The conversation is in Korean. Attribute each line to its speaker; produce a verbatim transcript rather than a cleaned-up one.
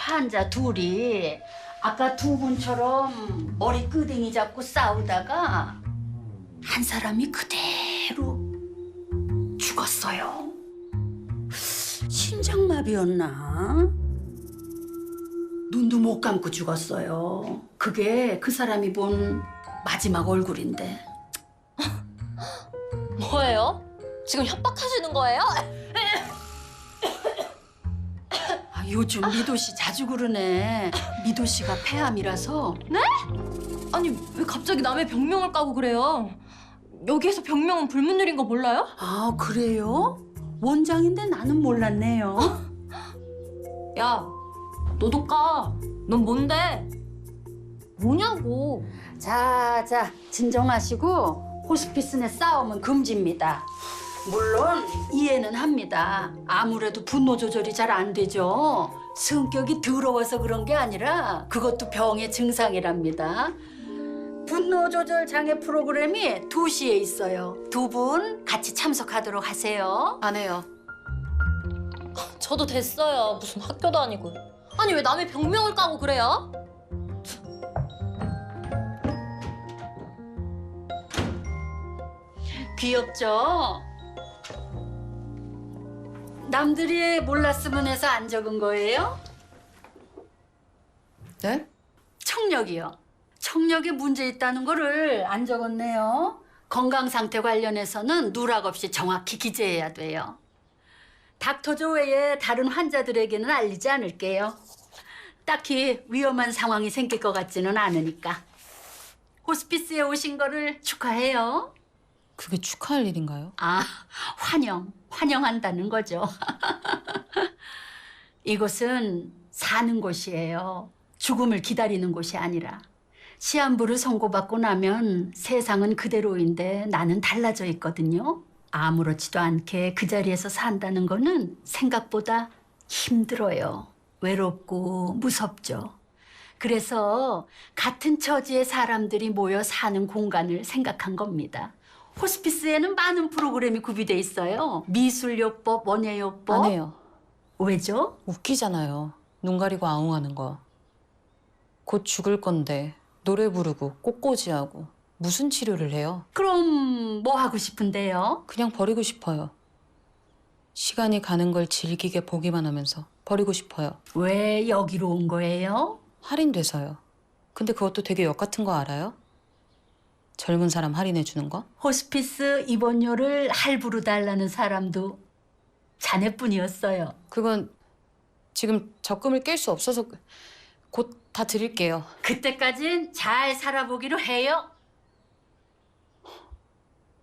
Speaker 1: 환자 둘이 아까 두 분처럼 머리 끄댕이 잡고 싸우다가 한 사람이 그대로 죽었어요. 심장마비였나? 눈도 못 감고 죽었어요. 그게 그 사람이 본 마지막 얼굴인데.
Speaker 2: 뭐예요? 지금 협박하시는 거예요?
Speaker 1: 아, 요즘 미도 씨 자주 그러네. 미도 씨가 폐암이라서.
Speaker 2: 네? 아니 왜 갑자기 남의 병명을 까고 그래요? 여기에서 병명은 불문율인 거 몰라요?
Speaker 1: 아, 그래요? 원장인데 나는 몰랐네요.
Speaker 2: 야, 너도 까. 넌 뭔데? 뭐냐고.
Speaker 1: 자, 자, 진정하시고 호스피스 내 싸움은 금지입니다. 물론 이해는 합니다. 아무래도 분노 조절이 잘 안 되죠. 성격이 더러워서 그런 게 아니라 그것도 병의 증상이랍니다. 분노 조절 장애 프로그램이 두 시에 있어요. 두 분 같이 참석하도록 하세요.
Speaker 2: 안 해요. 저도 됐어요. 무슨 학교도 아니고. 아니 왜 남의 병명을 까고 그래요?
Speaker 1: 귀엽죠? 남들이 몰랐으면 해서 안 적은 거예요?
Speaker 3: 네?
Speaker 1: 청력이요. 청력에 문제 있다는 거를 안 적었네요. 건강 상태 관련해서는 누락 없이 정확히 기재해야 돼요. 닥터조 외에 다른 환자들에게는 알리지 않을게요. 딱히 위험한 상황이 생길 것 같지는 않으니까. 호스피스에 오신 거를 축하해요.
Speaker 3: 그게 축하할 일인가요?
Speaker 1: 아, 환영, 환영한다는 거죠. 이곳은 사는 곳이에요. 죽음을 기다리는 곳이 아니라. 시한부를 선고받고 나면 세상은 그대로인데 나는 달라져 있거든요. 아무렇지도 않게 그 자리에서 산다는 거는 생각보다 힘들어요. 외롭고 무섭죠. 그래서 같은 처지의 사람들이 모여 사는 공간을 생각한 겁니다. 호스피스에는 많은 프로그램이 구비돼 있어요. 미술요법, 원예요법.
Speaker 3: 안 해요.
Speaker 1: 왜죠?
Speaker 3: 웃기잖아요. 눈 가리고 아웅하는 거. 곧 죽을 건데 노래 부르고 꽃꽂이하고 무슨 치료를 해요?
Speaker 1: 그럼 뭐 하고 싶은데요?
Speaker 3: 그냥 버리고 싶어요. 시간이 가는 걸 즐기게 보기만 하면서 버리고 싶어요.
Speaker 1: 왜 여기로 온 거예요?
Speaker 3: 할인돼서요. 근데 그것도 되게 역 같은 거 알아요? 젊은 사람 할인해 주는 거?
Speaker 1: 호스피스 입원료를 할부로 달라는 사람도 자네뿐이었어요.
Speaker 3: 그건 지금 적금을 깰 수 없어서 곧 다 드릴게요.
Speaker 1: 그때까진 잘 살아보기로 해요.